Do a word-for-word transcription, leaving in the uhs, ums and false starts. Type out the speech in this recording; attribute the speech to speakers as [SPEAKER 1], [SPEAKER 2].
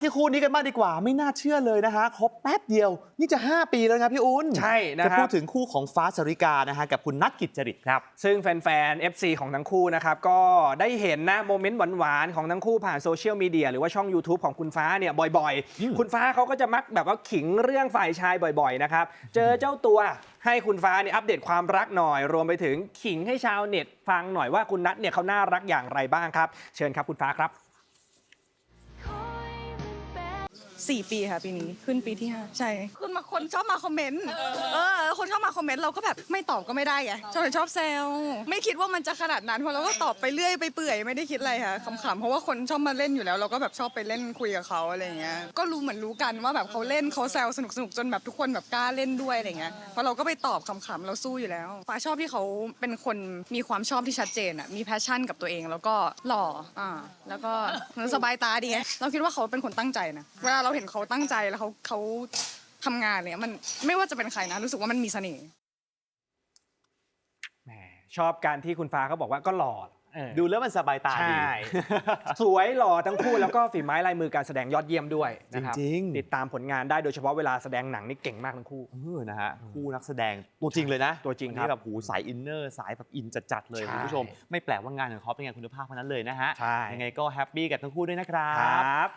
[SPEAKER 1] ที่คู่นี้กันมากดีกว่าไม่น่าเชื่อเลยนะฮะครบแป๊บเดียวนี่จะห้าปีแล้วนะพี่อุ้น
[SPEAKER 2] ใช่นะครับ
[SPEAKER 1] จะพูดถึงคู่ของฟ้าสริกานะฮะกับคุณนัทกิจจริตครับ
[SPEAKER 2] ซึ่งแฟนๆ เอฟ ซี ของทั้งคู่นะครับก็ได้เห็นนะโมเมนต์หวานๆของทั้งคู่ผ่านโซเชียลมีเดียหรือว่าช่อง YouTube ของคุณฟ้าเนี่ยบ่อยๆคุณฟ้าเขาก็จะมักแบบว่าขิงเรื่องฝ่ายชายบ่อยๆนะครับเจอเจ้าตัวให้คุณฟ้าเนี่ยอัปเดตความรักหน่อยรวมไปถึงขิงให้ชาวเน็ตฟังหน่อยว่าคุณนัทเนี่ยเขาน่ารักอย่างไรบ้างครับเชิญครับคุณฟ้าครับ
[SPEAKER 3] สี่ปีค่ะปีนี้ขึ้นปีที่ห้าใช่ขึ้นมาคนชอบมาคอมเมนต์เออคนชอบมาคอมเมนต์เราก็แบบไม่ตอบก็ไม่ได้ไงชอบชอบแซวไม่คิดว่ามันจะขนาดนั้นเพราะเราก็ตอบไปเรื่อยไปเปื่อยไม่ได้คิดอะไรค่ะขำๆเพราะว่าคนชอบมาเล่นอยู่แล้วเราก็แบบชอบไปเล่นคุยกับเขาอะไรเงี้ยก็รู้เหมือนรู้กันว่าแบบเขาเล่นเขาแซวสนุกสนุกจนแบบทุกคนแบบกล้าเล่นด้วยอะไรเงี้ยเพราะเราก็ไปตอบขำๆเราสู้อยู่แล้วฟ้าชอบที่เขาเป็นคนมีความชอบที่ชัดเจนอ่ะมีแพชชั่นกับตัวเองแล้วก็หล่ออ่าแล้วก็สบายตาดีเราคิดว่าเขาเป็นคนตั้งใจนะเวลาเราเห็นเขาตั้งใจแล้วเขาเขาทำงานเนี่ยมันไม่ว่าจะเป็นใครนะรู้สึกว่ามันมีเสน่ห์
[SPEAKER 2] แหมชอบการที่คุณฟ้าเขาบอกว่าก็หล่อ
[SPEAKER 1] ดูแล้วมันสบายตาดี
[SPEAKER 2] ใช่ สวยหล่อทั้งคู่แล้วก็ฝีไม้ลายมือการแสดงยอดเยี่ยมด้วยนะครับ
[SPEAKER 1] จริงๆ
[SPEAKER 2] ติดตามผลงานได้โดยเฉพาะเวลาแสดงหนังนี่เก่งมากทั้งคู่
[SPEAKER 1] เออนะฮะคู่นักแสดงตัวจริงเลยนะ
[SPEAKER 2] ตัวจริง
[SPEAKER 1] น
[SPEAKER 2] ครั
[SPEAKER 1] นี้
[SPEAKER 2] บ
[SPEAKER 1] แบบหูสายอินเนอร์สายแบบอินจัดๆเลย
[SPEAKER 2] ใช่
[SPEAKER 1] คุณผู้ชมไม่แปลกว่างานของเขาเป็นงานคุณภาพเท่านั้นเลยนะฮะ
[SPEAKER 2] ใช่
[SPEAKER 1] ยังไงก็แฮปปี้กับทั้งคู่ด้วยนะครั
[SPEAKER 2] ครับ บ